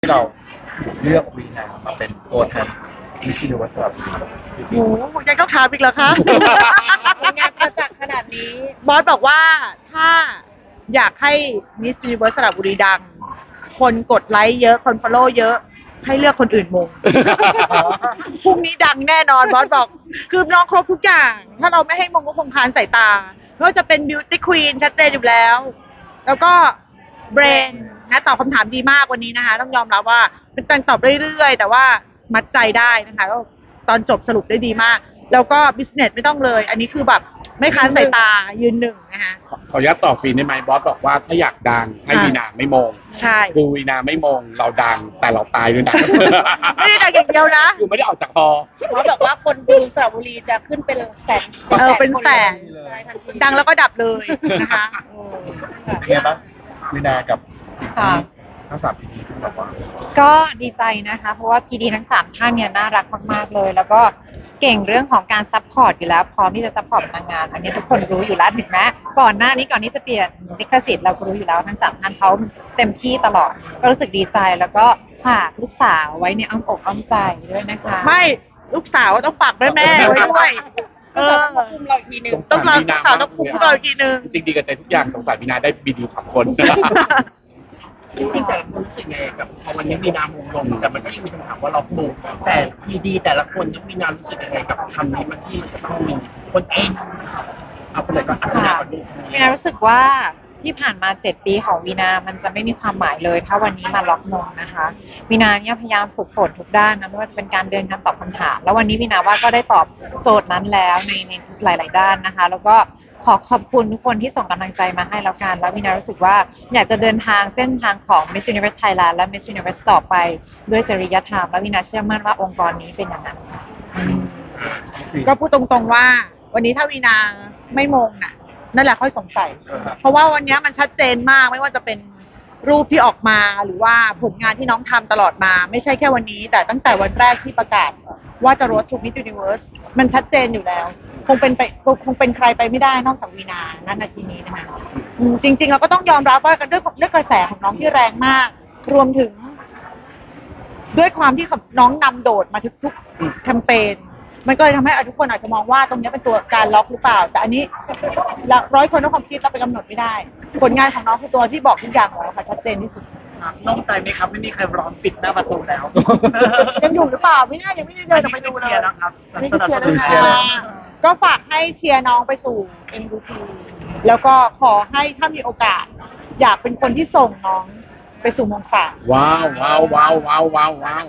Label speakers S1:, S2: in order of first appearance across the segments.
S1: ที่เราเลือกวีนามาเป็นตัวแทนมิสซิลิวัสดุ
S2: โอ้โหยังต้องถามอีกเหรอคะ
S3: ผลงานประจักษ์ขนาดนี้
S2: บอสบอกว่าถ้าอยากให้มิส s ูนิเวิร์สสระบุรีดัง คนกดไลค์เยอะ คนฟอลโล่เยอะ ให้เลือกคนอื่นมง พรุ่งนี้ดังแน่นอนบอสบอก คือน้องครบทุกอย่าง ถ้าเราไม่ให้มงก็คงค้านสายตาไม่ว่าจะเป็นบิวตี้ควีนชัดเจนอยู่แล้ว แล้วก็เบรนนะตอบคำถามดีมากวันนี้นะคะ ต้องยอมรับว่าเป็นการตอบเรื่อยๆ แต่ว่ามัดใจได้นะคะแล้วตอนจบสรุปได้ดีมาก แล้วก็บิสเนสไม่ต้องเลย อันนี้คือแบบไม่ค้านสายตายืนหนึ่งนะคะ
S4: ขออนุญาตต่อฟรีได้ไหมบอสบอกว่าถ้าอยากดังให้วีนาไม่มง
S2: ใช่
S4: คือวีนาไม่มงเราดังแต่เราตายด้วยนะ
S2: ไม่ได้ดังอย่างเดียวนะ
S4: คือไม่ได้ออกจากฮอ
S3: เขาบอกว่าคนดูสระบุรีจะขึ้นเป็นแสน
S2: เป็นแสน
S3: ใช่ทันที
S2: ดังแล้วก็ดับเลยนะคะ
S1: เป็นไงบ้างวีนากับสิ่งที่ทั้งสามพีดีที่บอกว่า
S5: ก็ดีใจนะคะ เพราะว่าพีดีทั้ง3ท่านเนี่ยน่ารักมากๆเลย แล้วก็เก่งเรื่องของการซัพพอร์ตอยู่แล้วพร้อมที่จะซัพพอร์ตนางงามอันนี้ทุกคนรู้อยู่แล้วถึงแม้ก่อนหน้านี้ก่อนที่จะเปลี่ยนลิขสิทธิ์เราก็รู้อยู่แล้วทั้ง3ท่านเขาเต็มที่ตลอดก็รู้สึกดีใจแล้วก็ฝากลูกสาวไว้ในอ้อมอกอ้อมใจด้วยนะคะ
S2: ไม่ลูกสาวต้องฝากแม่แม่ไว้ด้วย เอ
S3: ก็
S2: อ
S3: จะควบคุมเราอีกทีหนึง
S2: ต้องรอลูกสาวต้องคุมพวกเราอีกทีนึง
S4: จริงๆดีกันใจทุกอย่างสงสารวีนาได้บีดี2 คน
S6: จริงๆแต่ละคนรู้สึกไงกับพอวันนี้มีนามงลงแต่มันก็ยังมีคำถามว่าเราปลูกแต่ดีๆแต่ละคนยังมีนามรู้สึกยังไงกับคำนี้มันที่ต้องมีคนเองเอาคนไหนก่อนเอาคนไหนก่อนดู
S5: วีนารู้สึกว่าที่ผ่านมา7 ปีของวีนามันจะไม่มีความหมายเลย ถ้าวันนี้มาล็อกมงนะคะวีนาเนี่ยพยายามฝึกฝนทุกด้านนะไม่ว่าจะเป็นการเดินการตอบคำถามแล้ววันนี้วีนาว่าก็ได้ตอบโจทย์นั้นแล้วในทุกหลาย ๆ ด้านนะคะ แล้วก็ขอขอบคุณทุกคนที่ส่งกำลังใจมาให้แล้วกันแล้ววีนารู้สึกว่าอยากจะเดินทางเส้นทางของ Miss Universe Thailand และ Miss Universe ต่อไปด้วยจริยธรรมและวีนาเชื่อมั่นว่าองค์กรนี้เป็นอย่างนั้นค่ะ
S2: ก็พูดตรงๆว่า วันนี้ถ้าวีนาไม่มงน่ะ นั่นแหละค่อยสงสัย เพราะว่าวันนี้มันชัดเจนมากไม่ว่าจะเป็นรูปที่ออกมาหรือว่าผลงานที่น้องทำตลอดมา ไม่ใช่แค่วันนี้ แต่ตั้งแต่วันแรกที่ประกาศว่าจะ Road to Miss Universe มันชัดเจนอยู่แล้ว คงเป็นใครไปไม่ได้นอกจากวีนาณนาทีนี้นะคะจริงๆเราก็ต้องยอมรับว่าด้วยกระแสของน้องที่แรงมาก รวมถึง ด้วยความที่น้องนำโดดมาทุกๆแคมเปญมันก็เลยทำให้ทุกคนอาจจะมองว่าตรงนี้เป็นตัวการล็อกหรือเปล่า แต่อันนี้100 คนด้วยความคิดเราไปกำหนดไม่ได้ ผลงานของน้องคือตัวที่บอกทุกอย่างแล้วค่ะชัดเจนที่สุด
S6: โล่งใจไหมครับไม่มีใครร้อนปิดหน้าประตูแล้ว
S2: ยังอยู่หรือเปล่าไม่น่ายังไม่ได้เดินออกไปดูเลย
S6: เชียร์นะครับ
S2: ไม่ได้เชียร์
S6: สนับสนุน
S2: นะ
S6: เชียร์
S2: คะก็ฝากให้เชียร์น้องไปสู่ MVP แล้วก็ขอให้ถ้ามีโอกาส อยากเป็นคนที่ส่งน้องไปสู่มงสาม
S4: ว้าวว้าวว้าวว้าวว้าวว้าว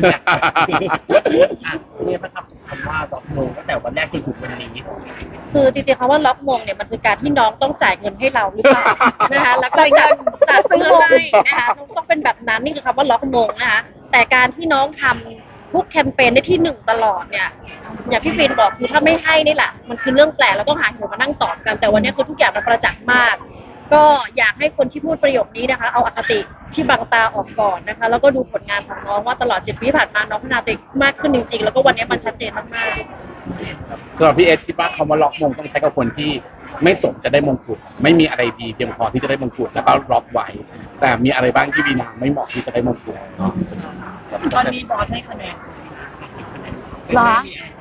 S6: เนี่ยประทับคำว่าดอกโมงตั้งแต่วันแรกจนถึงวันนี้
S3: คือจริงๆคำว่าล็อกมงเนี่ยมันคือการที่น้องต้องจ่ายเงินให้เราหรือเปล่านะคะแล้วก็จัดซื้อให้นะคะต้องเป็นแบบนั้นนี่คือคำว่าล็อกมงนะคะแต่การที่น้องทำทุกแคมเปญได้ที่1ตลอดเนี่ยอย่างพี่ฟินบอกคือถ้าไม่ให้นี่แหละมันคือเรื่องแปลกเราต้องหาเหตุมานั่งตอบกันแต่วันนี้คือทุกอย่างมันประจักษ์มาก ก็อยากให้คนที่พูดประโยคนี้นะคะ เอาอคติที่บังตาออกก่อนนะคะ แล้วก็ดูผลงานของน้องว่าตลอด7 ปีที่ผ่านมาน้องพัฒนาตัวเองมากขึ้นจริงๆ แล้วก็วันนี้มันชัดเจนมากๆ
S4: สำหรับพี่เอสคิดว่าคำว่าล็อกมงต้องใช้กับคนที่ไม่สมจะได้มงกุฎไม่มีอะไรดีเพียงพอที่จะได้มงกุฎแล้วก็ล็อกไว้ แต่มีอะไรบ้างที่วีนาไม่เหมาะที่จะได้มงกุฎ
S6: ตอนนี้บอสให้คะแนน
S2: เหรอ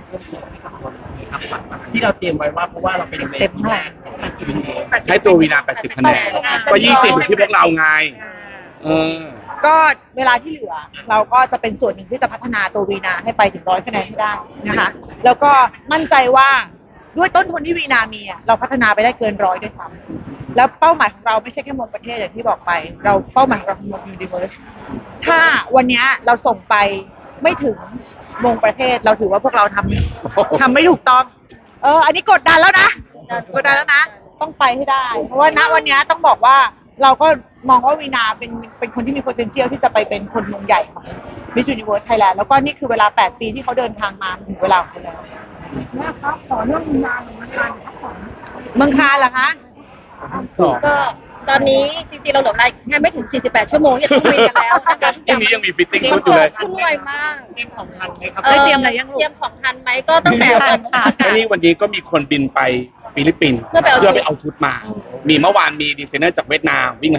S6: ที่เราเตรียมไว้ว่าเพราะว่าเราเป็น
S5: เต็มเท่าไหร่
S4: ให้ตัววีนา80 คะแนนก็20อยู่ที่พวกเราไงเออ
S2: ก็เวลาที่เหลือเราก็จะเป็นส่วนหนึ่งที่จะพัฒนาตัววีนาให้ไปถึง100 คะแนนให้ได้นะคะ แล้วก็มั่นใจว่าด้วยต้นทุนที่วีนามีอะเราพัฒนาไปได้เกิน100ด้วยซ้ำแล้วเป้าหมายของเราไม่ใช่แค่มงประเทศอย่างที่บอกไป เราเป้าหมายของเราคือมงยูนิเวอร์สถ้าวันนี้เราส่งไปไม่ถึงมงประเทศเราถือว่าพวกเราทำไม่ถูกต้อง อันนี้กดดันแล้วนะกดดันแล้วนะ ต้องไปให้ได้ เพราะว่าณวันนี้ต้องบอกว่าเราก็มองว่าวีนาเป็นคนที่มี potential ที่จะไปเป็นคนมงใหญ่ของ Miss Universe Thailand แล้วก็นี่คือเวลา8 ปีที่เขาเดินทางมาถึงเวลาของเขาแล้วแม่ครับขอเรื่องวีนาเมืองคานเมืองคานเหรอคะ
S3: ก็ตอนนี้จริงๆเราเหลือเวลาแค่ไม่ถึง48 ชั่วโมงที่จะต้องบินกันแล้วนะคะ
S4: พรุ่งนี้ยังมีฟิตติ้ง
S3: มั
S4: ชุ
S3: น
S4: ดอยู่
S3: เกิ
S4: เล
S3: ด
S4: ย
S3: ขึ้นไวมาก
S6: เตรียมของทันไหมครับ
S2: ได้เตรียมอะไรยังลูก
S3: เตรียมของทันไหมก็ตั้งแต่วัน
S4: และนี่วันนี้ก็มีคนบินไปฟิลิปปินส์
S3: เพื่อไปเอาชุด
S4: ไปเอาชุดมา มีเมื่อวานมีดีไซเนอร์จากเวียดนามวิ่งให้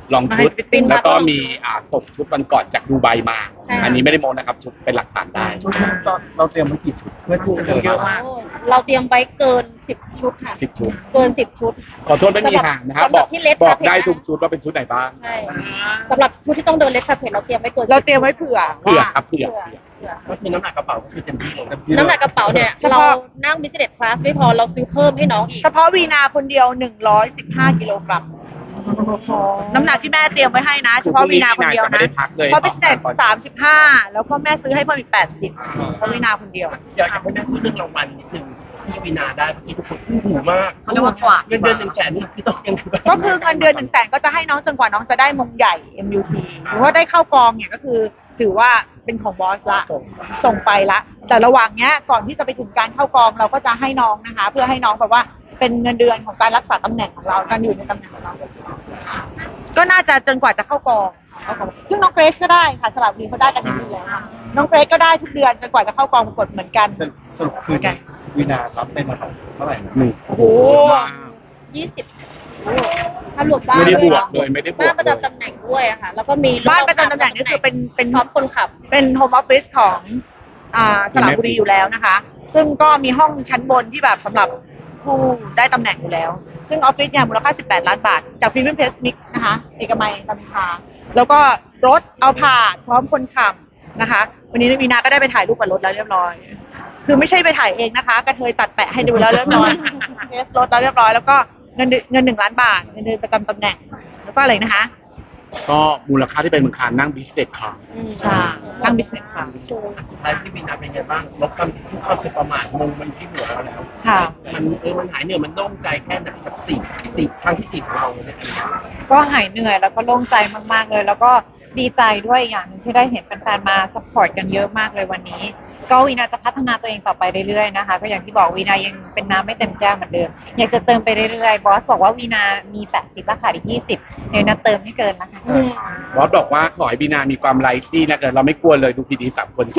S4: ลองชุด
S2: ฟิตติ้ง
S4: แล้วก็มีส่งชุดวันก่อนจากดูไบมา
S3: ใช่
S4: อันนี้ไม่ได้โมนะครับชุดเป็นหลักฐานได้
S1: ชุดนี้เราเตรียมไว้กี่ชุดเพื่อที่จะเดิน
S2: เยอะมาก
S3: โอ้เราเตรียมไว้เกิน 10 ชุดค่ะ
S4: 10 ชุด
S3: เกิน 10 ชุด
S4: ขอโทษไม่มีห่างนะครับ
S3: สำหรับที่ Red
S4: บอก
S3: Carpet
S4: ได้
S3: นะ
S4: ทุกชุดว่าเป็นชุดไหนบ้าง
S3: ใช่สำหรับชุดที่ต้องเดินเลสคาเพจเราเตรียมไว้เกิน
S2: เราเตรียมไว้เผื่อ
S4: เผื่อ
S2: ว่า
S4: ครับเผื่อ
S6: ก็คือน้ำหนักกระเป๋าก็คือเต็มที่เลย
S3: น้ำหนักกระเป๋าเนี่ย
S2: เฉพาะ
S3: เรานั่ง business class ไม่พอเราซื้อเพิ่มให้น้องอีก
S2: เฉพาะวีนาคนเดียว 115 กิโลกรัม น้ำหนักที่แม่เตรียมไว้ให้นะ เฉพาะวีนาคนเดียว
S4: จะไม่
S2: นะ
S4: ได้พักเลย
S2: เพราะพิเศษ35 แล้วก็แม่ซื้อให้เพิ่มอีก80เพราะวีนาคนเดียว
S6: อยากให้แม่พูดเรื่องรางวัลนิดนึงที่วีนาได้เมื่อกี้ทุกคนอู้หูมาก
S2: เขาเรียกว่ากว่า
S6: เงินเดือน100,000นี่คือต้องยัง
S2: ก็คือเงินเดือน100,000ก็จะให้น้องจนกว่าน้องจะได้มงใหญ่ MUT หรือว่าได้เข้ากองเนี่ยก็คือถือว่าเป็นของบอสละส่งไปละแต่ระหว่างเนี้ยก่อนที่จะไปถึงการเข้ากองเราก็จะให้น้องนะคะ เพื่อให้น้องแบบว่าเป็นเงินเดือนของการรักษาตำแหน่งของเราการอยู่ในตำแหน่งของเรา ก็น่าจะจนกว่าจะเข้ากองซึ่งน้องเกรซก็ได้ค่ะสลับบุรีเขาได้กันอย่างนี้แล้วค่ะน้องเกรซก็ได้ทุกเดือนจนกว่าจะเข้ากองประกวดเหมือนกัน
S1: สรุปคือวีนารับเป็นเท่าไหร่นะ
S4: หนึ่ง
S2: โอ้โห
S3: 20ถ้ารวมบ้าน
S4: ไม่ได้บ
S3: ด้
S4: ว
S3: ย
S4: กเลยไม่ได้บว
S3: บ้าน
S4: ก
S3: ประ
S4: เลย
S3: จำตำแหน่งด้วยอะค่ะ แล้วก็มี
S2: บ้านประจำตำแหน่งนี่คือเป็น
S3: พร้อมคนขับ
S2: เป็นโฮมออฟฟิศของสระบุรีอยู่แล้วนะคะ ซึ่งก็มีห้องชั้นบนที่แบบสำหรับผู้ได้ตำแหน่งอยู่แล้ว ซึ่งออฟฟิศเนี่ยมูลค่า18 ล้านบาท จากฟิล์มเพสมิกนะคะ เอกมัยรามอินทราแล้วก็รถเอาผ่านพร้อมคนขับนะคะ วันนี้วีนาก็ได้ไปถ่ายรูปกับรถแล้วเรียบร้อย คือไม่ใช่ไปถ่ายเองนะคะกระเทยตัดแปะให้ดูแล้วเรียบร้อยเทสรถแล้วเรียบร้อยแล้วก็เงิน1 ล้านบาทเงินเดือนประจำตำแหน่ง แล้วก็อะไรนะคะ
S4: ก็มูลค่าที่เป็นมูลค่านั่งบิสเนสคลาส
S2: ใช่นั่งบิสเนสค่ะ
S6: สุดท้ายที่วีนาเป็นไงบ้างลบความทุกความสึกประมาทมงมันที่หัวเราแล้ว
S5: ค่ะ
S6: มันหายเหนื่อยมันโล่งใจแค่ไหนกับสี่ครั้งที่4ของเราเนี่ย
S5: ก็หายเหนื่อยแล้วก็โล่งใจมากๆเลย แล้วก็ดีใจด้วยอย่างหนึงที่ได้เห็นแฟนๆมาซัพพอร์ตกันเยอะมากเลยวันนี้ ก็วีนาจะพัฒนาตัวเองต่อไปเรื่อยๆนะคะก็อย่างที่บอกวีนายังเป็นน้ำไม่เต็มแก้วเหมือนเดิม อยากจะเติมไปเรื่อยๆบอสบอกว่าวีนามี80ราคาอีก20เดี๋ยวนาเติมไม่เกินนะคะ
S4: บอสบอกว่าขอให้บีนามีความไลฟ์ที่นะเราไม่กลัวเลยดูพีดี3 คนสิ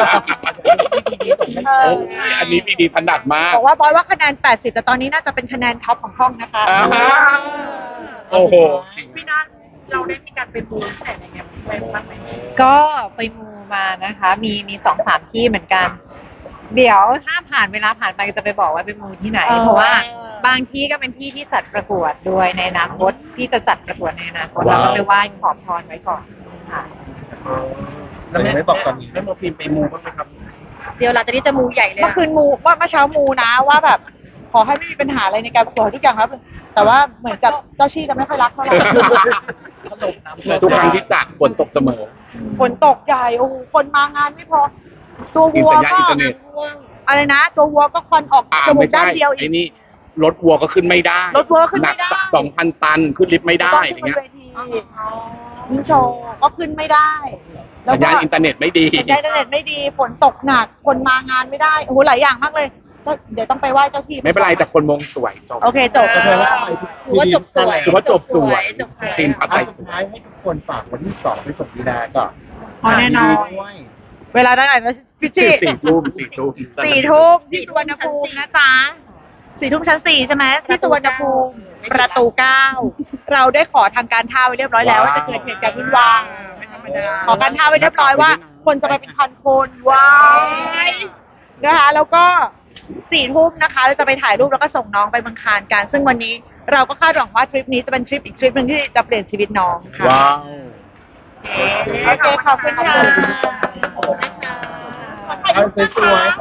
S2: เออ
S4: อันนี้พีดีถนัดมาก
S2: บอกว่าบอยว่าคะแนน 80 แต่ตอนนี้น่าจะเป็นคะแนนท็อปของห้องนะคะ
S4: อ่าฮะ โอ้โห
S2: พี่นัทเราได้มีการไปบูธที่ไหนอะไรเงี้ยไปบ้างไหม
S5: ก็ไปมูมานะคะ มี2-3ที่เหมือนกัน เดี๋ยวถ้าผ่านเวลาผ่านไปจะไปบอกว่าไปมูที่ไหน เพราะว่าบางที่ก็เป็นที่ที่จัดประกวดด้วยในอนาคตที่จะจัดประกวดในอนาคตแล้วก็ไปไหว้ขอพรไว้ก่อนค่ะ
S1: แต่ยังไม่บอกตอนนี้
S6: แม่โมฟิล์มไปมูบ้างไหมครับ
S3: เดี๋ยวหลังจากนี้จะมูใหญ่เลย
S2: เมื่อคืนมูว่าเมื่อเช้ามูนะว่าแบบ ขอให้ไม่มีปัญหาอะไรในการประกวดทุกอย่างแล้วแต่ว่าเหมือนกับเจ้าชี่จะไม่ค่อยรักเท่าไหร่
S4: ทุกครั้งที่จัดฝนตกเสมอ
S2: ฝนตกใหญ่โอ้โหคนมางานไม่พอ ตัววัว
S4: สัญญาณ
S2: ก็
S4: อินเทอร์เน็ต
S3: ง่วง
S2: อะไรนะ ตัววัวก็ควันออกจมู
S4: ไม่
S2: กด้า
S4: ใช่
S2: นเดียวอี
S4: ไอ้
S2: ก
S4: นี่รถวัวก็ขึ้นไม่ได้
S2: รถวัวขึ้นไม่ได้
S4: หนัก2,000 ตันขึ้นลิฟต์ไม่ได้
S2: ต้อง
S4: อ
S2: ขึ้
S4: ย่าน ง
S2: บ
S4: เงี้
S2: น
S4: ย
S2: เวทีมินโชว์ก็ขึ้นไม่ได้ แล้ว
S4: สัญ
S2: ก็
S4: ญาณอินเทอร์เน็ตไม่ดี
S2: สัญญาณอินเทอร์เน็ตไม่ดีฝนตกหนักคนมางานไม่ได้โอ้โหหลายอย่างมากเลยเดี๋ยวต้องไปไหว้เจ้าที่
S4: ไม่เป็นไรแต่คนมงสวยจบ
S2: โอเคจบ
S1: ก็เธอแล้วทำไม
S3: ถือว่าจบสวย
S4: ถือว่าจบสวย
S3: จบสวย
S4: ซีนปัด
S1: ท้า
S4: ไป
S1: ยสุดท้ายให้ทุกคนฝากวันที่2ไปส่งวีนาก่อน
S2: อ๋อแน่นอน
S1: ด้วย
S2: เวลาได้ไหนนะพี่ชิ
S4: 4 ทุ่ม
S2: 4 ทุ่มที่สุวรรณภูมินะจ๊ะ4 ทุ่มชั้น 4 ใช่ไหมที่สุวรรณภูมิประตู 9 เราได้ขอทางการท่าไว้เรียบร้อยแล้วว่าจะเกิดเหตุการณ์วุ่นวายขอการท่าไว้เรียบร้อยว่า คนจะไปเป็นพันคนว้ายนะคะแล้วก็4 ทุ่มนะคะเราจะไปถ่ายรูปแล้วก็ส่งน้องไปเมืองคานกัน ซึ่งวันนี้เราก็คาดหวังว่าทริปนี้จะเป็นทริปอีกทริปหนึ่งที่จะเปลี่ยนชีวิตน้องค่ะ
S4: ว้าว
S2: โอเคขอบคุณค่ะ
S3: ขอบคุณนะคะ
S1: เอาสวยๆ